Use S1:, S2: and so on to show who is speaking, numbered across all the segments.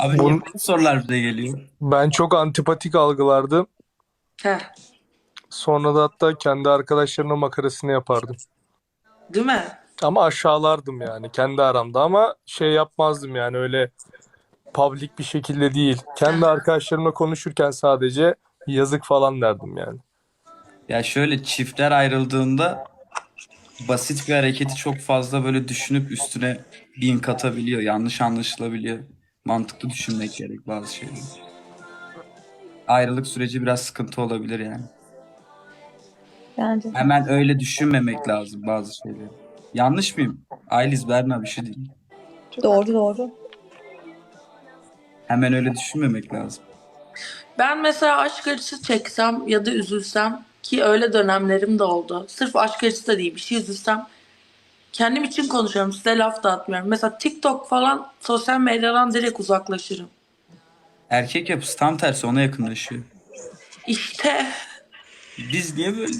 S1: Abi niye
S2: Bun,
S1: bu sorular bize geliyor?
S2: ben çok antipatik algılardım.
S3: Heh,
S2: Sonra da hatta kendi arkadaşlarımla makarasını yapardım.
S3: değil mi?
S2: Ama aşağılardım yani kendi aramda ama şey yapmazdım yani öyle public bir şekilde değil. Kendi
S3: Heh.
S2: arkadaşlarımla konuşurken sadece yazık falan derdim yani.
S1: Ya şöyle çiftler ayrıldığında basit bir hareketi çok fazla böyle düşünüp üstüne bin katabiliyor. Yanlış anlaşılabiliyor. Mantıklı düşünmek gerek bazı şeyleri. Ayrılık süreci biraz sıkıntı olabilir yani.
S4: Bence de.
S1: Hemen öyle düşünmemek lazım bazı şeyleri. Yanlış mıyım? Ayliz Berna bir şey değil.
S4: Doğru doğru.
S1: Hemen öyle düşünmemek lazım.
S3: Ben mesela aşk acısı çeksem ya da üzülsem ki öyle dönemlerim de oldu. Sırf aşk acısı da değil bir şey üzülsem kendim için konuşuyorum size laf da atmıyorum. Mesela TikTok falan sosyal medyadan direkt uzaklaşırım.
S1: Erkek yapısı tam tersi ona yakınlaşıyor.
S3: İşte
S1: Biz niye böyle?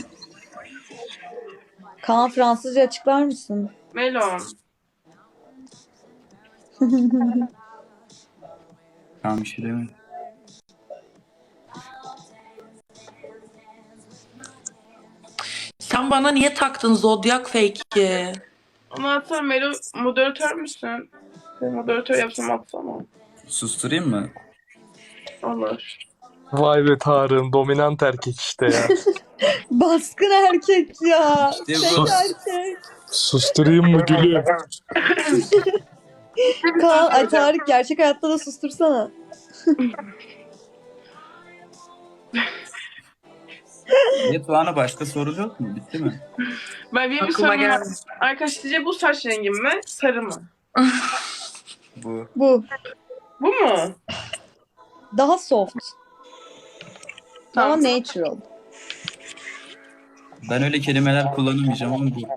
S4: Kaan Fransızca açıklar mısın?
S5: Melon.
S1: Tamam bir şey demiyorum.
S3: sen bana niye taktın zodyak fake'i?
S5: Onu atsana Melo, moderatör müsün? Ben moderatör yapsam atsana.
S1: Susturayım mı?
S5: Olur.
S2: Vay be Tarık'ın dominant erkek işte ya.
S4: Baskın erkek ya.
S1: İşte bu.
S4: Tek erkek.
S2: Susturayım mı gülüm?
S4: Kaan, ay Tarık gerçek hayatta da sustursana.
S1: Niye Tuğan'a başka soru yok mu? Bitti mi?
S5: Benim bir
S3: Aklıma
S5: sorum var.
S3: geldi.
S5: Arkadaş sizce bu saç rengim mi? Sarı mı?
S1: Bu.
S4: Bu.
S5: Bu mu?
S4: Daha soft. Daha
S5: Tamam.
S4: natural.
S1: Ben öyle kelimeler kullanamayacağım ama bu.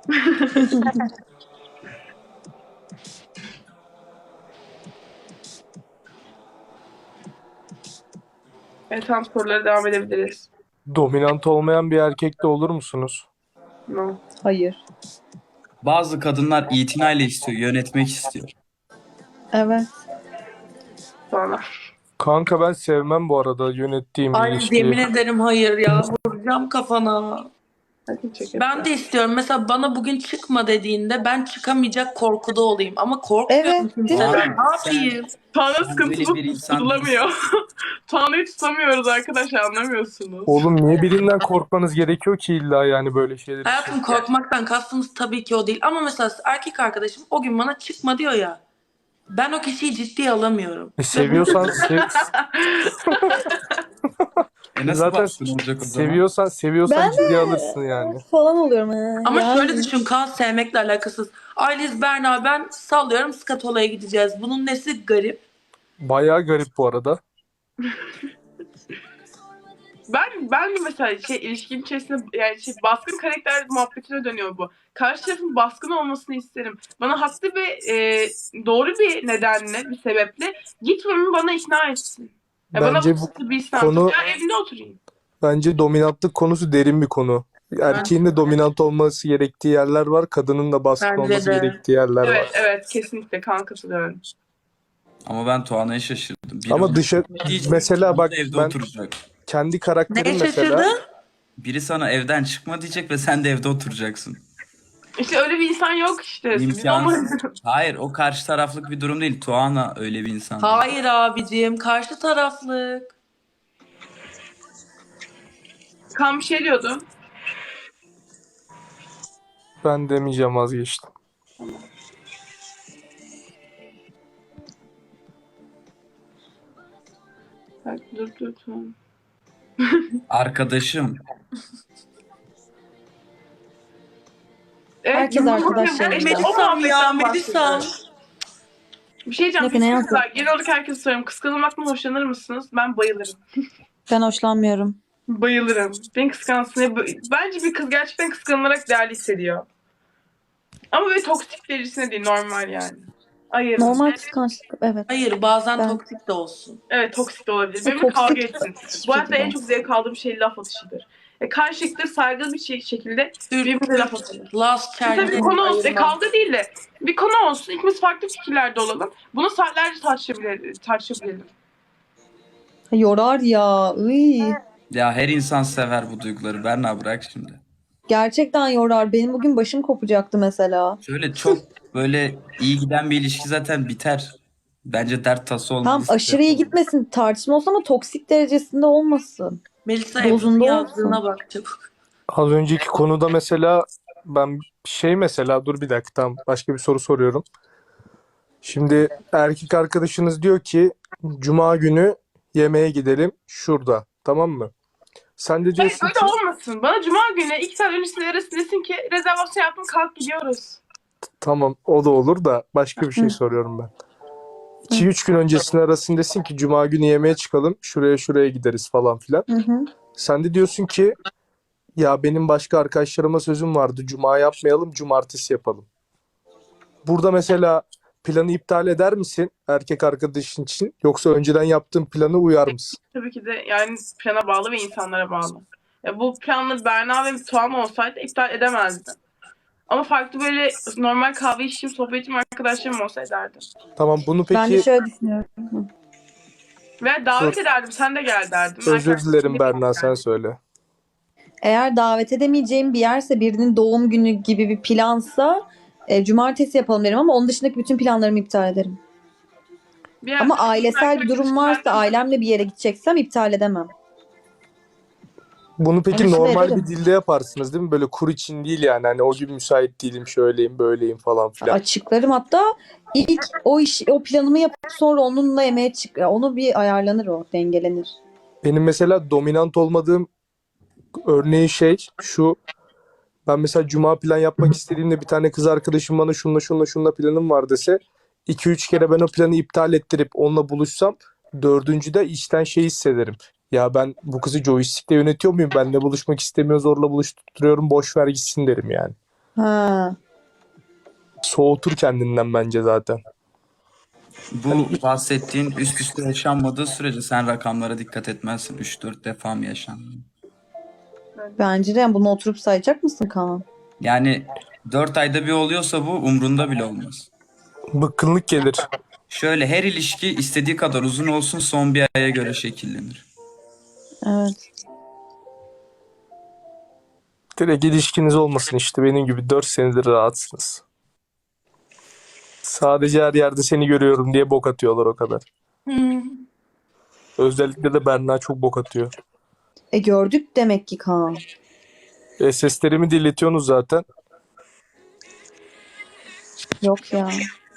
S5: Evet tamam sorulara devam edebiliriz.
S2: Dominant olmayan bir erkekle olur musunuz?
S5: No.
S4: Hayır.
S1: Bazı kadınlar itinayla istiyor, yönetmek istiyor.
S4: Evet.
S5: Sonra.
S2: Kanka ben sevmem bu arada yönettiğim bir
S3: Ay
S2: ilişkiyi.
S3: yemin ederim hayır ya vuracağım kafana.
S5: Hadi çek
S3: Ben de istiyorum mesela bana bugün çıkma dediğinde ben çıkamayacak korkuda olayım ama korkmuyorum
S4: Evet, değil mi?
S3: kimseden. Ne
S1: Sen-
S3: yapayım?
S5: Tuana
S1: Sen böyle bir
S5: sıkıntımız
S1: insan
S5: tutulamıyor. Tuana'yı tutamıyoruz arkadaşlar anlamıyorsunuz.
S2: Oğlum niye birinden korkmanız gerekiyor ki illa yani böyle şeyler için?
S3: Hayatım korkmaktan kastımız tabii ki o değil. Ama mesela erkek arkadaşım o gün bana çıkma diyor ya. Ben o kişiyi ciddiye alamıyorum.
S2: Seviyorsan
S1: nasıl
S2: zaten
S1: baskın olacak o zaman?
S2: seviyorsan
S4: Ben de
S2: ciddiye alırsın yani.
S4: falan oluyorum. Ha.
S3: Ama
S4: Yani.
S3: şöyle düşün kan sevmekle alakasız. Ayliz Berna ben sallıyorum Skatola'ya gideceğiz. Bunun nesi garip?
S2: Bayağı garip bu arada.
S5: Ben de mesela ilişkim içerisinde yani baskın karakter muhabbetine dönüyor bu. Karşı tarafın baskın olmasını isterim. Bana haklı ve doğru bir nedenle, bir sebeple gitmemi bana ikna etsin. Ya
S2: Bence
S5: bana
S2: bu
S5: bir
S2: konu
S5: ya evinde oturayım.
S2: bence dominantlık konusu derin bir konu. Erkeğin de dominant olması gerektiği yerler var, kadının da baskın
S3: Bence
S2: olması
S3: de.
S2: gerektiği yerler var.
S5: Evet kesinlikle kan katılıyorum.
S1: Ama ben Tuğan'a şaşırdım. Biri
S2: Ama
S1: ona diyecek,
S2: mesela
S1: biri
S2: bak
S1: de evde
S2: ben
S1: oturacak.
S2: kendi karakterim
S3: Neye
S2: mesela
S3: şaşırdın?
S1: Biri sana evden çıkma diyecek ve sen de evde oturacaksın.
S5: İşte öyle bir insan yok işte. Biz
S1: İmkansız. Hayır, o karşı taraflık bir durum değil. Tuğan'a öyle bir insan.
S3: Hayır abicim karşı taraflık.
S5: kan bir şey diyordu.
S2: ben demeyeceğim vazgeçtim.
S5: Bak, dur tamam.
S1: Arkadaşım.
S5: Evet,
S4: Herkes arkadaş
S5: evet,
S4: yanında.
S5: o
S3: Melisam
S5: muhabbetten
S3: ya Melisam.
S5: bahsediyorum. Bir şey diyeceğim.
S4: Ne, ne yazdın?
S5: Kızlar, genel olarak herkese soruyorum. Kıskanılmaktan hoşlanır mısınız? Ben bayılırım.
S4: Ben hoşlanmıyorum.
S5: Bayılırım. Beni kıskansın. Bence bir kız gerçekten kıskanılarak değerli hissediyor. Ama böyle toksik derecesine değil. Normal yani. Hayır.
S4: Normal kıskançlık. Evet.
S3: Hayır bazen
S4: Ben-
S3: toksik de olsun.
S5: Evet toksik de olabilir.
S4: O
S5: Benimle kavga
S4: toksik
S5: etsin.
S4: hiçbir
S5: Bu hayatta en
S4: şekilde
S5: çok zevk aldığım şey laf atışıdır. karşılıklı saygılı bir şekilde birbirimize laf atalım.
S3: Last
S5: Tabii
S3: Chelsea'yi
S5: konu olsun.
S3: ayırmam.
S5: Kavga değil de bir konu olsun. İkimiz farklı fikirlerde olalım. Bunu saatlerce tartışabilirim.
S4: Yorar ya. Iy.
S1: Ya her insan sever bu duyguları. Berna bırak şimdi.
S4: Gerçekten yorar. Benim bugün başım kopacaktı mesela.
S1: Şöyle çok böyle iyi giden bir ilişki zaten biter. Bence dert tası olmalı.
S4: Tam aşırı iyi gitmesin. Tartışma olsun ama toksik derecesinde olmasın.
S3: Melisa
S4: Dozunda
S3: Ebru'nun
S4: olsun.
S3: yazdığına bak çabuk.
S2: Az önceki konuda mesela ben mesela dur bir dakika, tamam, başka bir soru soruyorum. Şimdi erkek arkadaşınız diyor ki Cuma günü yemeğe gidelim şurada, tamam mı? Sen de
S5: Hayır
S2: diyorsun
S5: öyle
S2: ki
S5: olmasın. Bana cuma günü 2 saat öncesinde arasın desin ki rezervasyon yaptım kalk gidiyoruz.
S2: tamam, o da olur da başka bir şey
S4: Hı.
S2: soruyorum ben. 2-3 gün öncesinde arasın desin ki Cuma günü yemeğe çıkalım, şuraya gideriz falan filan.
S4: Hı hı.
S2: Sen de diyorsun ki ya benim başka arkadaşlarıma sözüm vardı, Cuma yapmayalım, cumartesi yapalım. Burada mesela planı iptal eder misin erkek arkadaşın için, yoksa önceden yaptığın plana uyar mısın?
S5: Tabii ki de yani plana bağlı ve insanlara bağlı. Ya bu planlı Berna ve Tuğan olsaydı iptal edemezdim. Ama farklı böyle normal kahve içtiğim, sohbet ettiğim arkadaşlarım olsa ederdim.
S2: Tamam, bunu
S4: Ben de
S2: peki
S4: şöyle düşünüyorum.
S5: Ve davet
S2: Dur.
S5: ederdim, sen de gel derdim.
S2: özür
S5: Herkes
S2: dilerim Berna,
S5: yani.
S2: sen söyle.
S4: Eğer davet edemeyeceğim bir yerse, birinin doğum günü gibi bir plansa cumartesi yapalım derim ama onun dışındaki bütün planlarımı iptal ederim.
S5: Bir
S4: Ama
S5: arkadaşım,
S4: ailesel bir durum varsa, ailemle bir yere gideceksem iptal edemem.
S2: Bunu peki
S4: Onu
S2: normal
S4: ederim.
S2: bir dilde yaparsınız değil mi? Böyle kur için değil yani. Hani o gün müsait değilim, şöyleyim, böyleyim falan filan.
S4: Açıklarım, hatta ilk o planımı yapıp sonra onunla yemeğe çık. Onu bir ayarlanır, o dengelenir.
S2: Benim mesela dominant olmadığım örneği şu. Ben mesela cuma plan yapmak istediğimde bir tane kız arkadaşım bana şunla planım var dese 2-3 kere ben o planı iptal ettirip onunla buluşsam, dördüncüde içten hissederim. Ya ben bu kızı joystick'le yönetiyor muyum? Benle buluşmak istemiyor, zorla buluşturuyorum, boş ver gitsin derim yani.
S4: Ha.
S2: Soğutur kendinden bence zaten.
S1: Bu bahsettiğin üst üste yaşanmadığı sürece sen rakamlara dikkat etmezsin. 3-4 defa mı yaşandı?
S4: Bence de, yani bunu oturup sayacak mısın Kaan?
S1: Yani 4 ayda bir oluyorsa bu umrunda bile olmaz.
S2: Bıkkınlık gelir.
S1: Şöyle her ilişki istediği kadar uzun olsun son bir aya göre şekillenir.
S4: Evet.
S2: Direkt ilişkiniz olmasın işte, benim gibi 4 senedir rahatsınız. Sadece her yerde seni görüyorum diye bok atıyorlar, o kadar. Özellikle de Berna çok bok atıyor.
S4: Gördük demek ki Kaan.
S2: Seslerimi dinletiyorsunuz zaten.
S4: Yok ya.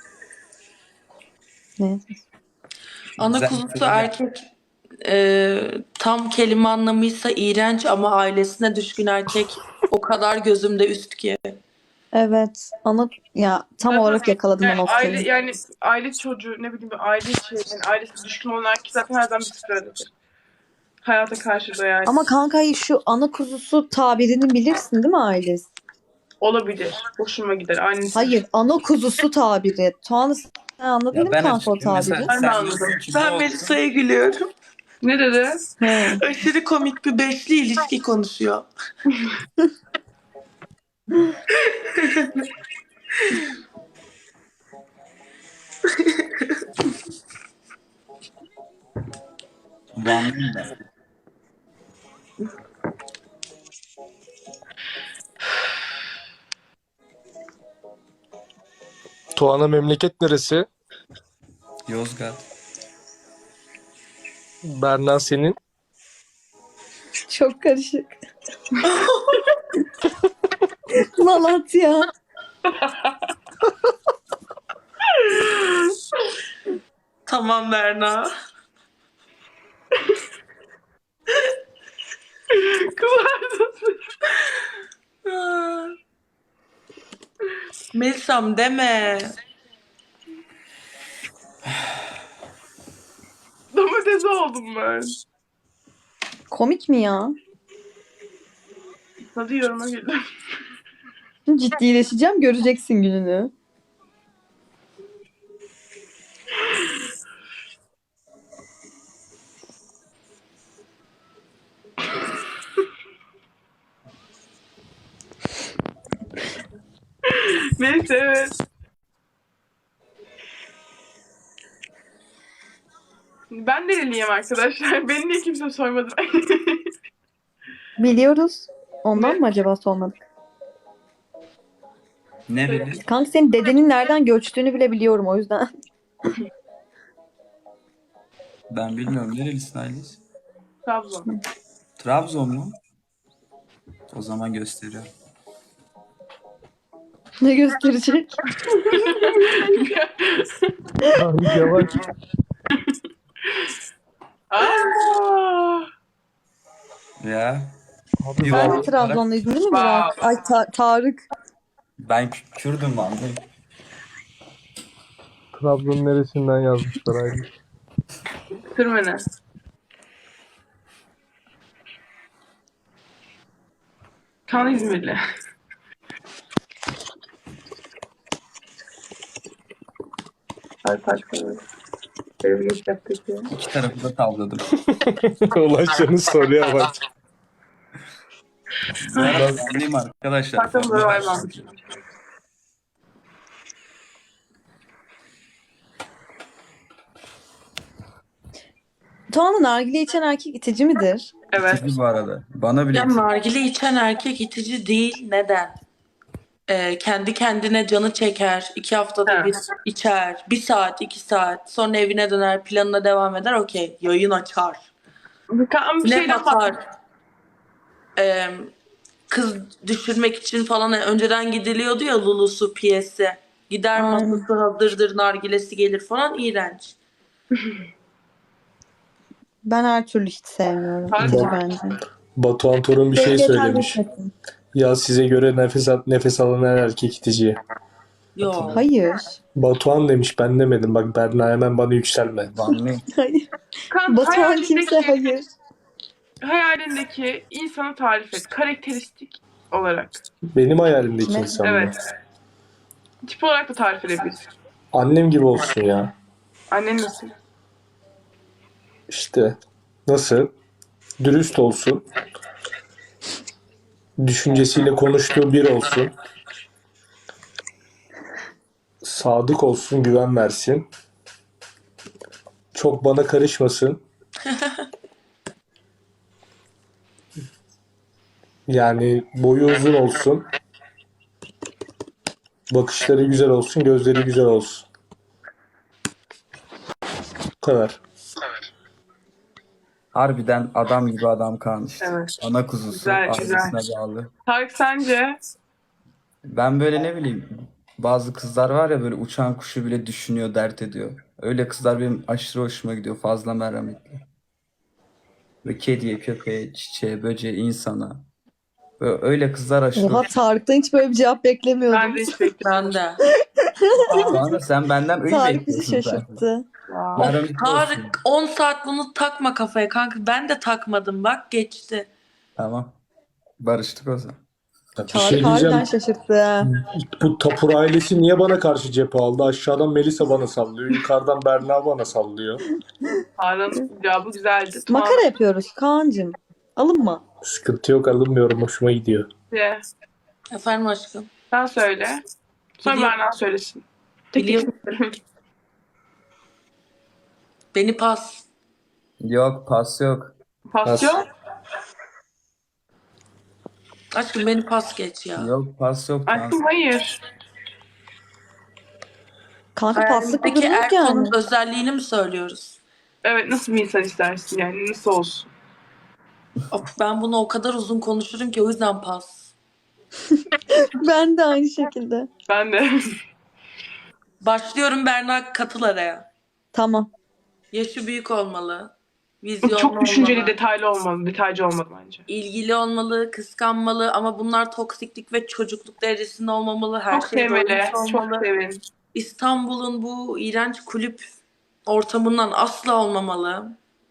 S4: Ne?
S3: Ana
S1: Güzel
S3: kuzusu
S1: bir soru.
S3: erkek tam kelime anlamıysa iğrenç ama ailesine düşkün erkek o kadar gözümde üst ki.
S4: Evet. Ya tam olarak yakaladın o
S5: Yani
S4: noktayı.
S5: aile çocuğu, ne bileyim bir aile içi, yani ailesi düşkün olan erkek zaten her zaman bir sıradır. Hayata karşı da yani.
S4: Ama kanka, şu ana kuzusu tabirini bilirsin değil mi Ailes?
S5: Olabilir. Hoşuma gider. Annesi.
S4: Hayır, ana kuzusu tabiri. Tuğan'ı sen anladın değil
S1: Ya
S4: mi
S1: ben
S4: kanka o
S1: açıkçası mesela
S4: tabiri?
S5: Ben de
S1: sen
S5: anladım.
S1: diyorsun ki bu
S3: Ben
S1: olsun.
S3: Melisa'ya gülüyorum.
S5: Ne dedi?
S4: He.
S3: Aşırı komik bir beşli ilişki konuşuyor.
S1: Vanlıyım ben.
S2: Tuana memleket neresi?
S1: Yozgat.
S2: Berna senin.
S4: Çok karışık. Malatya.
S3: Tamam Berna. Melisa'm deme.
S5: Domates oldum ben.
S4: Komik mi ya?
S5: Hadi yoruma girdim.
S4: Ciddileşeceğim, göreceksin gününü.
S5: Neyse evet. Ben nereliyim arkadaşlar? Beni niye kimse sormadı?
S4: Biliyoruz. Ondan
S5: Ne?
S4: mı acaba sormadık?
S1: Nereli?
S4: Kanka senin dedenin nereden göçtüğünü bile biliyorum o yüzden.
S1: Ben bilmiyorum. Nerelisin Aylis?
S5: Trabzon.
S1: Trabzon mu? O zaman gösteriyor.
S4: Ne gösterecek?
S2: Halis yavaş.
S5: Aa,
S1: Ya.
S2: Abi
S1: Bir
S4: Sen
S1: var
S4: de
S1: olarak
S4: Trabzonluydun değil mi Burak? Ay Tarık.
S1: ben Kürdüm lan.
S2: Trabzon neresinden yazmışlar Halis.
S5: Sürmene. Kan İzmirli.
S1: İki tarafı da tavladım.
S2: Ulaşcanın soruya bak.
S1: Ben anlayayım arkadaşlar.
S5: Farklı var mı?
S4: Tuğan'ın nargile içen erkek itici midir?
S5: Evet.
S1: İtici bu arada. Bana bile
S3: Ya
S1: itici.
S3: nargile içen erkek itici değil. Neden? Kendi kendine canı çeker. 2 haftada
S5: Ha.
S3: bir içer. 1 saat, 2 saat. Sonra evine döner, planına devam eder. Okey. Yayın açar.
S5: Kan bir
S3: Ne
S5: şeyden
S3: batar? Kız düşürmek için falan önceden gidiliyordu ya Lulusu piyesi. Gider
S4: Aynen.
S3: masası hazırdır, nargilesi gelir falan. İğrenç.
S4: Ben her türlü hiç sevmiyorum.
S5: Tarık
S4: İtici
S2: mı?
S4: bence.
S2: Batuhan Torun bir şey
S4: Sevgiye
S2: söylemiş.
S4: terk etmesin.
S2: Ya size göre nefes alan her erkek itici.
S3: Yok.
S4: Hayır.
S2: Batuhan demiş, ben demedim. Bak Berna, hemen bana yükselme.
S1: Anlayayım.
S4: Hayır.
S5: Kan
S4: Batuhan kimse hayır.
S5: hayalindeki insanı tarif et. Karakteristik olarak.
S2: Benim hayalimdeki
S4: Ne?
S2: insan mı?
S5: Evet. Tip olarak da tarif edebilirsin.
S2: Annem gibi olsun ya.
S5: Annen nasıl?
S2: İşte nasıl? Dürüst olsun. Düşüncesiyle konuştuğu bir olsun. Sadık olsun, güven versin. Çok bana karışmasın. Yani boyu uzun olsun. Bakışları güzel olsun, gözleri güzel olsun. Bu kadar.
S1: Harbiden adam gibi adam kalmış.
S5: Evet.
S1: Ana kuzusu.
S5: Güzel,
S1: Ailesine
S5: güzel.
S1: bağlı.
S5: Tarık sence?
S1: Ben böyle ne bileyim bazı kızlar var ya böyle uçan kuşu bile düşünüyor, dert ediyor. Öyle kızlar benim aşırı hoşuma gidiyor. Fazla merhametli. Ve kediye, köpeğe, çiçeğe, böceğe, insana. Böyle öyle kızlar aşırı
S4: Oha
S1: hoşuma
S4: Tarık'tan hiç böyle bir cevap beklemiyordum.
S5: Ben de hiç bekliyorum.
S3: Ben de.
S1: gidiyor. Sen benden öyle
S4: Tarık bizi
S1: bekliyorsun zaten.
S4: şaşırttı.
S1: Merhametli olsun.
S3: Tarık 10 saat bunu takma kafaya kanka. Ben de takmadım bak geçti.
S1: Tamam. Barıştık o zaman.
S2: Bir
S4: Tarık
S2: şey
S4: harbiden
S2: diyeceğim.
S4: şaşırttı. Ha.
S2: Bu Tapur ailesi niye bana karşı cephe aldı? Aşağıdan Melisa bana sallıyor. Yukarıdan Berna bana sallıyor.
S5: Tarık'ın cevabı güzeldi.
S4: Makara yapıyoruz Kaan'cığım. Alınma.
S2: Sıkıntı yok, alınmıyorum. Hoşuma gidiyor.
S5: Tuğan'cığım,
S3: Efendim aşkım.
S5: sen söyle. Sonra
S3: Biliyorum.
S5: Berna söylesin. Tek
S3: Biliyorum. Beni pas.
S1: Yok pas yok.
S5: Pasyon.
S3: Aşkım beni pas geç ya.
S1: Yok pas yok.
S5: Aşkım hayır.
S4: Kanka paslık bir
S3: Peki
S4: durum yok yani.
S3: Erkon'un özelliğini mi söylüyoruz?
S5: Evet, nasıl bir insan istersin yani? Nasıl olsun?
S3: Of, ben bunu o kadar uzun konuşurum ki o yüzden pas.
S4: Ben de aynı şekilde.
S5: Ben de.
S3: Başlıyorum Berna katıl araya.
S4: Tamam.
S3: Yaşı büyük olmalı. Vizyonlu
S5: Çok düşünceli,
S3: olmalı.
S5: detaylı olmalı. Detaycı olmalı bence.
S3: İlgili olmalı, kıskanmalı ama bunlar toksiklik ve çocukluk derecesinde olmamalı. Her
S5: Çok
S3: şey
S5: sevmeli.
S3: doymuş
S5: Çok
S3: olmalı.
S5: sevin.
S3: İstanbul'un bu iğrenç kulüp ortamından asla olmamalı.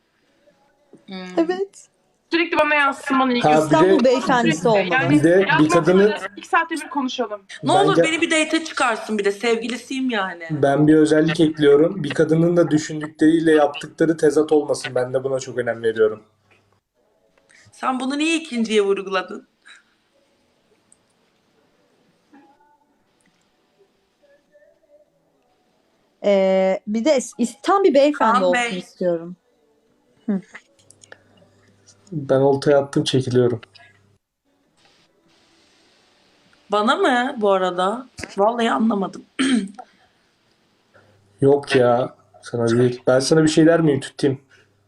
S4: Evet.
S5: Sürekli bana yazsın, bana ilgi
S2: Ha, bir
S4: İstanbul
S2: de-
S4: beyefendisi olmalı.
S5: Yani
S2: Bir de bir
S5: yazmasın,
S2: kadını
S5: 2 saatte bir konuşalım.
S3: Ne olur
S2: Bence-
S3: beni bir date'e çıkarsın bir de sevgilisiyim yani.
S2: ben bir özellik ekliyorum. Bir kadının da düşündükleriyle yaptıkları tezat olmasın. Ben de buna çok önem veriyorum.
S3: Sen bunu niye ikinciye vurguladın?
S4: Bir de tam bir beyefendi
S3: Kaan
S4: olsun
S3: Bey.
S4: istiyorum.
S2: Ben oltaya attım, çekiliyorum.
S3: Bana mı bu arada? Vallahi anlamadım.
S2: Yok ya, sana değil. Ben sana bir şey der miyim, tutayım?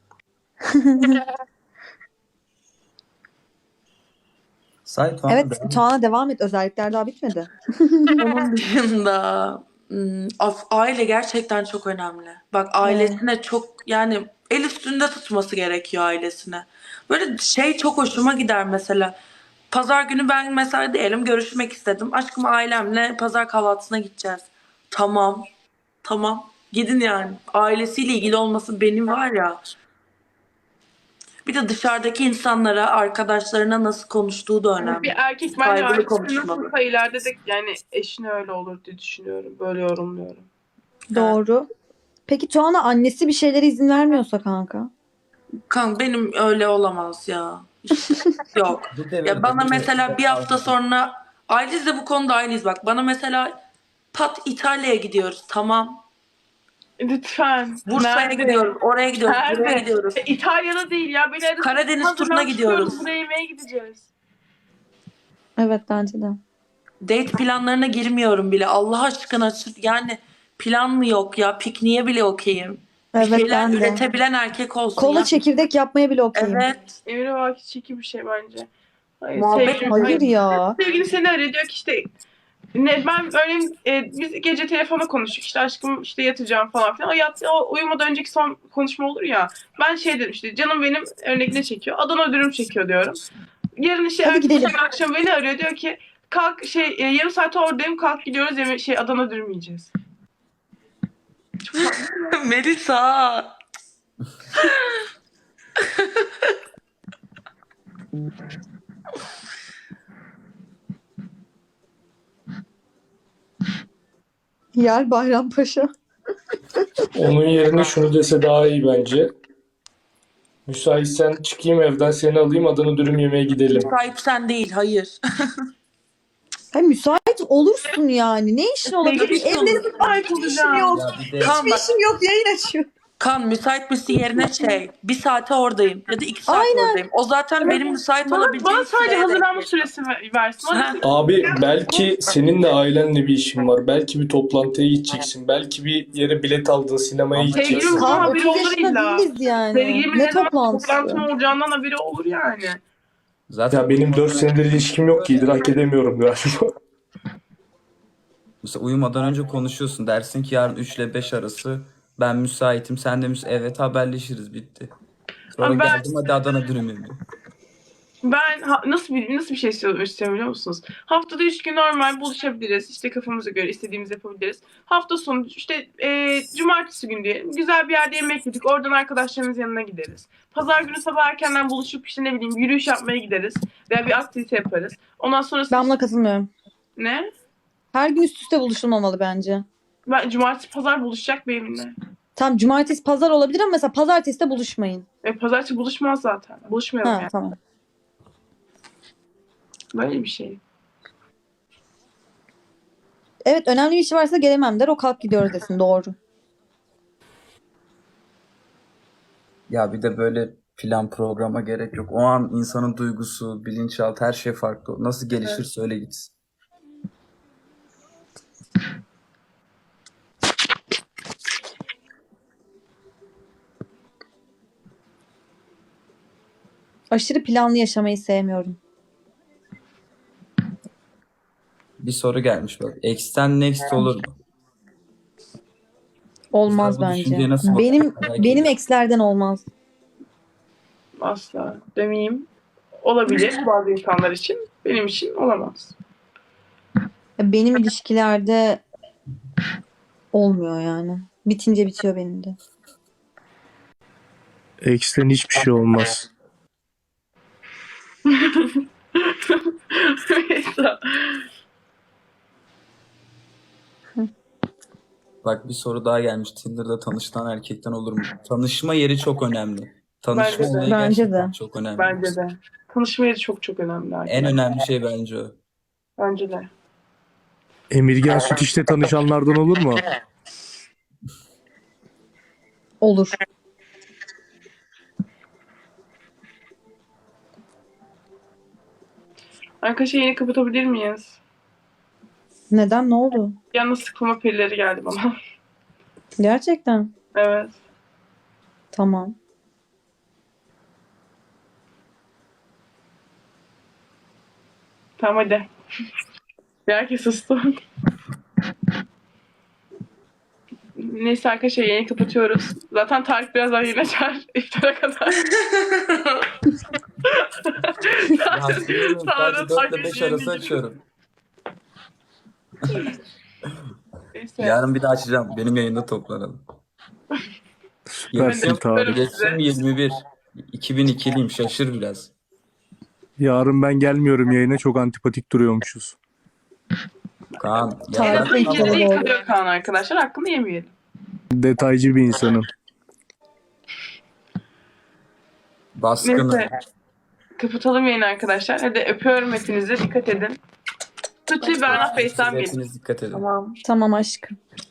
S1: Say Tuana,
S4: Evet,
S1: devam et.
S4: Tuana devam et. Özellikler daha bitmedi.
S3: Onun dışında aile gerçekten çok önemli. Bak ailesine çok yani el üstünde tutması gerekiyor ailesine. Böyle şey çok hoşuma gider mesela. Pazar günü ben mesela diyelim görüşmek istedim. Aşkım ailemle pazar kahvaltısına gideceğiz. Tamam. Tamam. Gidin yani. Ailesiyle ilgili olması benim var ya. Bir de dışarıdaki insanlara, arkadaşlarına nasıl konuştuğu da önemli.
S5: Bir erkek bence
S3: Saygılı
S5: ailesi
S3: konuşmalı.
S5: nasılsa ileride de yani eşine öyle olur diye düşünüyorum. Böyle yorumluyorum.
S4: Doğru. Peki Tuana annesi bir şeylere izin vermiyorsa kanka?
S3: Kan benim öyle olamaz ya. İşte, yok.
S1: Bu devirde
S3: Ya bana
S1: bu
S3: mesela bir hafta
S1: devirde-
S3: sonra Ailiz de bu konuda aynıyız bak. Bana mesela pat İtalya'ya gidiyoruz. Tamam.
S5: Lütfen.
S3: Bursa'ya
S5: Nerede?
S3: gidiyoruz. Oraya gidiyoruz. Buraya
S5: Nerede?
S3: gidiyoruz.
S5: İtalya'da değil ya. Beni arasın.
S3: Karadeniz turuna gidiyoruz.
S5: Buraya yemeğe gideceğiz.
S4: Evet, bence de.
S3: Date planlarına girmiyorum bile. Allah aşkına yani plan mı yok ya? Pikniğe bile okeyim. Bir
S4: Evet,
S3: şeyler
S4: ben de.
S3: üretebilen erkek olsun
S4: Kola
S3: ya.
S4: çekirdek yapmaya bile okeyim.
S3: Evet.
S5: Emre Vaki çeki bir şey bence. Hayır,
S3: Muhabbet
S5: sevgilim-
S4: Hayır ya.
S5: Sevgili seni arıyor diyor ki işte ben örneğin biz gece telefonda konuştuk işte aşkım işte yatacağım falan filan. O uyumadan önceki son konuşma olur ya. Ben şey dedim işte canım benim örnek ne çekiyor? Adana dürüm çekiyor diyorum. Yarın işte
S4: Hadi
S5: ertesi
S4: gidelim.
S5: akşam beni arıyor diyor ki kalk yarım saat oradayım kalk gidiyoruz Adana dürüm yiyeceğiz.
S3: Melisa.
S4: Yer Bayrampaşa.
S2: Onun yerine şunu dese daha iyi bence. Müsaitsen çıkayım evden, seni alayım, Adana dürüm yemeye gidelim.
S3: Sahip sen değil. Hayır.
S4: Ha, müsait olursun yani. Ne işin olabilir?
S3: Sevgili
S4: Evleri
S5: Ay
S4: hiçbir işim
S5: olacağım.
S4: yok.
S1: Ya bir de
S3: Kan
S4: Hiçbir
S3: bak.
S4: işim yok. Yayın açıyor.
S3: Kan müsait misin yerine şey. Bir saate oradayım. Ya da 2 saat
S4: Aynen.
S3: oradayım. O zaten benim müsait
S5: Bana
S3: olabileceğim
S5: sadece
S3: süreye
S5: hazırlanma
S3: denk
S5: süresi versin. Bana
S3: Ha.
S5: desin ki,
S2: Abi belki senin de ailenle bir işin var. Belki bir toplantıya gideceksin. Belki bir yere bilet aldın, sinemaya
S1: Ama
S2: gideceksin.
S5: sevgilim bunun
S4: Kaan
S5: haberi
S4: 30
S5: olur
S4: yaşında
S5: illa.
S4: değiliz yani.
S5: Sevgilimin
S4: Ne
S5: ne zaman
S4: toplantısı?
S5: toplantım olacağından haberi olur yani.
S1: zaten
S2: Ya benim 4 senedir ilişkim yok ki, idrak edemiyorum galiba.
S1: mesela uyumadan önce konuşuyorsun. Dersin ki yarın 3 ile 5 arası ben müsaitim. Sen de evet, haberleşiriz, bitti. Sonra
S5: Ama ben-
S1: geldim, hadi Adana dürüm yemeği.
S5: Ben nasıl bir şey istiyorum biliyor musunuz? Haftada 3 gün normal buluşabiliriz. İşte kafamıza göre istediğimizi yapabiliriz. Hafta sonu işte cumartesi günü diyelim. Güzel bir yerde yemek yedik. Oradan arkadaşlarımız yanına gideriz. Pazar günü sabah erkenden buluşup işte ne bileyim yürüyüş yapmaya gideriz. Veya bir aktivite yaparız. Ondan sonra
S4: Ben buna katılmıyorum.
S5: ne?
S4: Her gün üst üste buluşulmamalı bence.
S5: Ben cumartesi pazar buluşacak benimle.
S4: Tamam, cumartesi pazar olabilir ama mesela pazartesi de buluşmayın.
S5: Pazartesi buluşmaz zaten. Buluşmayalım
S4: Ha,
S5: yani.
S4: tamam.
S5: Böyle bir şey.
S4: Evet, önemli bir işi varsa gelemem der. O kalk gidiyoruz desin. Doğru.
S1: Ya bir de böyle plan programa gerek yok. O an insanın duygusu, bilinçaltı, her şey farklı. Nasıl gelişirse öyle gitsin.
S4: Aşırı planlı yaşamayı sevmiyorum.
S1: Bir soru gelmiş bak. X'ten next olur mu?
S4: Olmaz
S1: Bu düşünceye
S4: bence.
S1: nasıl
S4: Benim
S1: bakıyorsun?
S4: benim ekslerden olmaz.
S5: Asla demeyeyim. Olabilir bazı insanlar için. Benim için olamaz.
S4: Benim ilişkilerde olmuyor yani. Bitince bitiyor benim de.
S2: X'ten hiçbir şey olmaz.
S5: Mesela.
S1: Bak bir soru daha gelmiş. Tinder'da tanışılan erkekten olur mu? Tanışma yeri çok önemli. Tanışma
S5: Bence de.
S1: olayı
S4: Bence
S1: gerçekten
S4: de.
S1: çok önemli.
S5: Bence de. Tanışma yeri çok çok önemli.
S1: En
S5: Arkadaşlar.
S1: önemli şey bence o.
S5: Bence de.
S2: Emirgen süt işte tanışanlardan olur mu?
S4: Olur.
S5: Arkadaşlar yeni kapatabilir miyiz?
S4: Neden? Ne oldu?
S5: Yalnız sıkılma pilleri geldi bana.
S4: Gerçekten.
S5: Evet.
S4: Tamam.
S5: Tamam hadi. Herkes sustu. Neyse arkadaşlar yayını kapatıyoruz. Zaten Tarık birazdan yine açar. İftara kadar.
S1: Sadece 4 ile 5 arası açıyorum.
S5: Neyse.
S1: Yarın bir daha açacağım. Benim yayında toplanalım.
S2: Süpersin Tarık.
S1: Geçtim 21. 2002'liyim, şaşır biraz.
S2: Yarın ben gelmiyorum yayına, çok antipatik duruyormuşuz.
S1: Kaan.
S4: Tarık
S1: Ya,
S4: Bey,
S5: Yediği
S4: doğru.
S5: kalıyor Kaan arkadaşlar. Hakkını yemeyelim.
S2: Detaycı bir insanım.
S1: baskını.
S5: Neyse. Kapatalım yayını arkadaşlar. Hadi öpüyorum hepinizi. Dikkat edin. Tutu'yu Berna Face'den bilin.
S1: Hepiniz dikkat edin.
S3: Tamam.
S4: Tamam aşkım.